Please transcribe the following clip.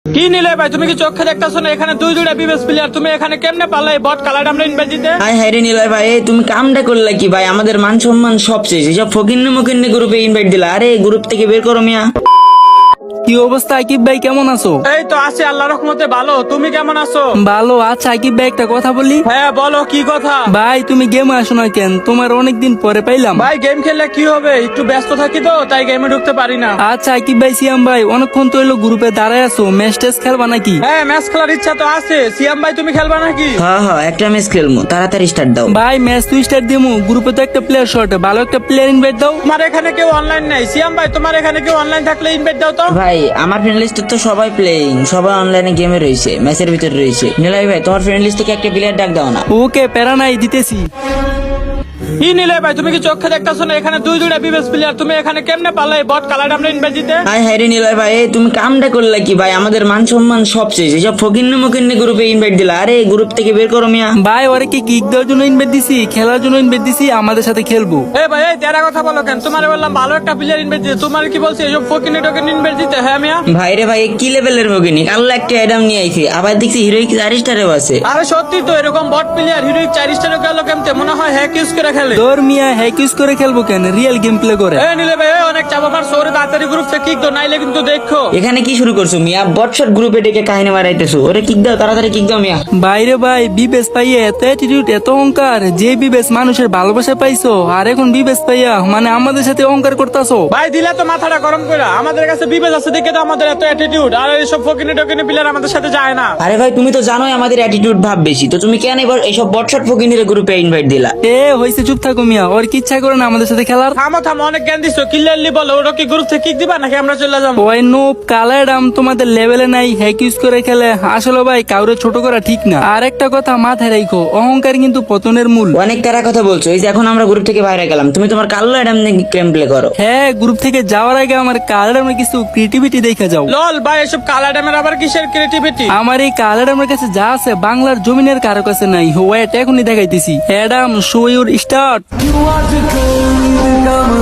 কি নিলে ভাই, তুমি কি চোখে দেখতেছো না এখানে দুইটা বিবেস প্লেয়ার, তুমি এখানে কেমনে পারলে এই বট কালার আমরা ইনভাইট দিতে? হাই হাই রে নিলয় ভাই, তুমি কামটা করলে কি ভাই? আমাদের মান সম্মান সব শেষ, এসব ফকিন্নে মকিন্নে গ্রুপে ইনভাইট দিলা। আরে গ্রুপ থেকে বের করো মিয়া। কি অবস্থা আকিব ভাই, কেমন আছো? এই তো আছি আল্লাহর রহমতে ভালো, তুমি কেমন আছো? ভালো। আচ্ছা আকিব ভাই, একটা কথা বলি। হ্যাঁ বলো, কি কথা? ভাই তুমি গেমে আসো না কেন? তোমার অনেকদিন পরে পাইলাম। ভাই গেম খেললে কি হবে, একটু ব্যস্ত থাকি তো তাই গেমে ঢুকতে পারি না। আচ্ছা আকিব ভাই, সিয়াম ভাই অনেকক্ষণ তো এলো গ্রুপে দাঁড়ায় আছো, ম্যাচ টেস্ট খেলবা নাকি? হ্যাঁ ম্যাচ খেলার ইচ্ছা তো আছে। সিয়াম ভাই তুমি খেলবা নাকি? হ্যাঁ হ্যাঁ, একটা ম্যাচ খেলবো, তাড়াতাড়ি স্টার্ট দাও। ভাই ম্যাচ তুই স্টার্ট দিমু, গ্রুপে তো একটা প্লেয়ার শর্ট, ভালো একটা প্লেয়ার ইনভাইট দাও। তোমার এখানে কেউ অনলাইন নাই? সিয়াম ভাই তোমার এখানে কেউ অনলাইন থাকলে ইনভাইট দাও তো। ভাই আমার ফ্রেন্ড লিস্টে তো সবাই প্লেয়িং, সবাই অনলাইনে গেমে রয়েছে, ম্যাচের ভিতরে রয়েছে। নিলয় ভাই তোমার ফ্রেন্ড লিস্ট থেকে একটা প্লেয়ার ডাক দাও না। ওকে, প্যারা নাই, দিতেছি। কি নিলে ভাই, তুমি কি চোখে দেখতেছো না এখানে দুইটা বিবেস প্লেয়ার, তুমি এখানে কেমনে পারলে এই বট কালার আমরা ইনভাইট দিতে? হাই হাই রে নিলয় ভাই, তুমি কামটা করলে কি ভাই? আমাদের মান সম্মান সব শেষ, এসব ফকিন্নে মকিন্নে গ্রুপে ইনভাইট দিলা। আরে গ্রুপ থেকে বের করো মিয়া। ভাই ওরে কি কিক দেওয়ার জন্য ইনভাইট দিছি? খেলার জন্য ইনভাইট দিছি, আমাদের সাথে খেলবো। এই ভাই এই তেরা কথা বলো কেন? তোমারে বললাম ভালো একটা প্লেয়ার ইনভাইট দিতে, তোমার কি বলছি এসব ফকিনে টোকেন ইনভাইট দিতে? হ্যাঁ মিয়া। ভাই রে ভাই, কি লেভেলের মগিনি? আল্লাহ একটা অ্যাডাম নিয়ে আইছি, আবার দেখছি হিরোইক 4 স্টারেও আছে। আরে সত্যি তো, এরকম বট প্লেয়ার হিরোইক 4 স্টারে গেল কেমতে? মনে হয় হ্যাক ইউজ করে খেলে। তোর মিয়া হ্যাক ইউজ করে খেলবো কেন? রিয়েল গেম প্লে করে। এই নিলে ভাই অনেক চাপ আমার শহরে, তাড়াতাড়ি গ্রুপ থেকে কিক দাও, নাইলে কিন্তু দেখো। এখানে কি শুরু করছো মিয়া? বটশট গ্রুপে ডেকে কাহিনী মারাইতেছো। ওরে কিক দাও, তাড়াতাড়ি কিক দাও মিয়া। বাইরে ভাই বিবেস পাইয়া এত অ্যাটিটিউড, এত অহংকার। যে বিবেস মানুষের ভালোবাসা পাইছো, আর এখন বিবেস পাইয়া মানে আমাদের সাথে অহংকার করতাছো। ভাই দিলে তো মাথাটা গরম করে, আমাদের কাছে বিবেচ আছে দেখে তো আমাদের এত অ্যাটিটিউড, আর এইসব ফকিনে টোকিনে প্লেয়ার আমাদের সাথে যায় না। আরে ভাই তুমি তো জানোই আমাদের অ্যাটিটিউড ভাব বেশি, তো তুমি কেন এবার এইসব বটশট ফকিনের গ্রুপে ইনভাইট দিলা? এ হইছে, চুপ থাকো মিয়া। ওর কি ইচ্ছা করে না আমাদের সাথে খেলার? থামো থামো, অনেক জ্ঞান দিছো। ক্লিয়ারলি বলো, ওরা কি গ্রুপ থেকে কিক দিবা নাকি আমরা চলে যাবো? ওই নোপ কালারাম তোমাদের লেভেলে নাই, হ্যাক ইউজ করে খেলে। আসলে ভাই কাউরে ছোট করা ঠিক না। আর একটা কথা মাথায় রাখো, অহংকার কিন্তু পতনের মূল। অনেক তারা কথা বলছো, এই যে এখন আমরা গ্রুপ থেকে বাইরে গেলাম, তুমি তোমার কাল্লো অ্যাডাম নিয়ে গেম প্লে করো। হ্যাঁ, গ্রুপ থেকে যাওয়ার আগে আমার কালারামের কিছু ক্রিয়েটিভিটি দেখে যাও। লল ভাই, এসব কালা ড্যামের আবার কিসের ক্রিয়েটিভিটি? আমার এই কালারামের কাছে যা আছে বাংলার জমিনের কারো কাছে নাই। ওয়েট এখনই দেখাইতেছি। Adam show your start.